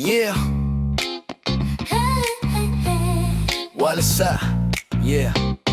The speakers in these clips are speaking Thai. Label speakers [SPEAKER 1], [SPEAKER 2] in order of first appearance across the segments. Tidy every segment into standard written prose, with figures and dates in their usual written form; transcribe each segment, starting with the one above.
[SPEAKER 1] Yeah What's up Yeah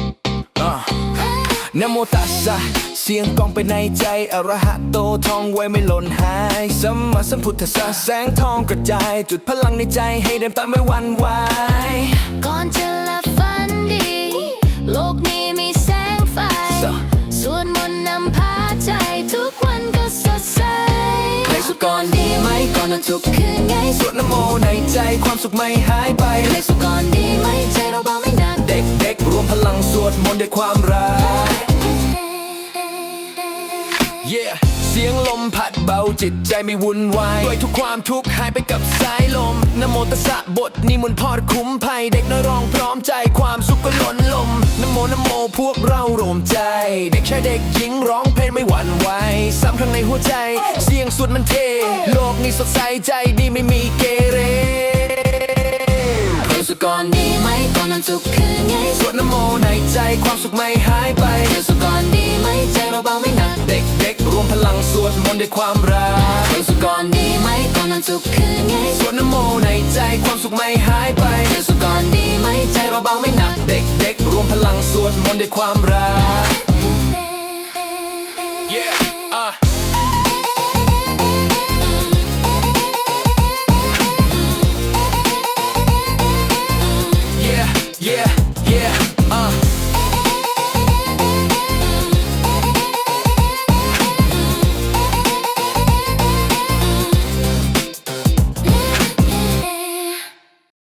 [SPEAKER 1] นะโมตัสสะเสียงกองไปในใจอรหะโตท่องไว้ไม่หล่นหายสัมมาสัมพุทธัสสะแสงทองกระจายจุดพลังในใจให้เดินตามไม่หวั่นไหว
[SPEAKER 2] ก่อนจะหลับฝันดีโลกนี้มีแสงไฟสวดมนต์นำพาใจทุกวันก็สดใส
[SPEAKER 1] เพลงสุดก่อนดีไหมก่อนนอนทุกคืนไงสวดนะโมในใจความสุขไม่หายไป
[SPEAKER 2] เพลงสุดก่อนดีไหมใจเราเบาไม่หนัก
[SPEAKER 1] เด็กๆรวมพลังสวดมนต์ด้วยความรักYeah เสียงลมพัดเบาจิตใจไม่วุ่นวายด้วยทุกความทุกข์หายไปกับสายลมนะโมตัสสะบทนี้มนต์พอดคุ้มภัยเด็กน้อยร้องพร้อมใจความสุขก็ล้นลมนะโมพวกเรารวมใจเด็กชายเด็กหญิงร้องเพลงไม่หวั่นไหวซ้ำข้างในหัวใจเสียงสวดมันเทโลกนี้สดใสใจดีไม่มีเกเร
[SPEAKER 2] เพลงสุดก่อนดีไหมก่อนนอนทุกคืนไง
[SPEAKER 1] สวดนะโมในใจความสุขไม่หายไป
[SPEAKER 2] เพลงสุดก่อนดีไหมใจเราเบาไม่หนัก
[SPEAKER 1] เด็กรวมพลังสวดมนต์ด้วยความรัก
[SPEAKER 2] เพลงสุดก่อนดีไหมก่อนนอนทุกคืนไง
[SPEAKER 1] สวดนะโมในใจความสุขไม่หายไป
[SPEAKER 2] เพลงสุดก่อนดีไหมใจเราเบาไม่หนัก
[SPEAKER 1] เด็กรวมพลังสวดมนต์ด้วยความรัก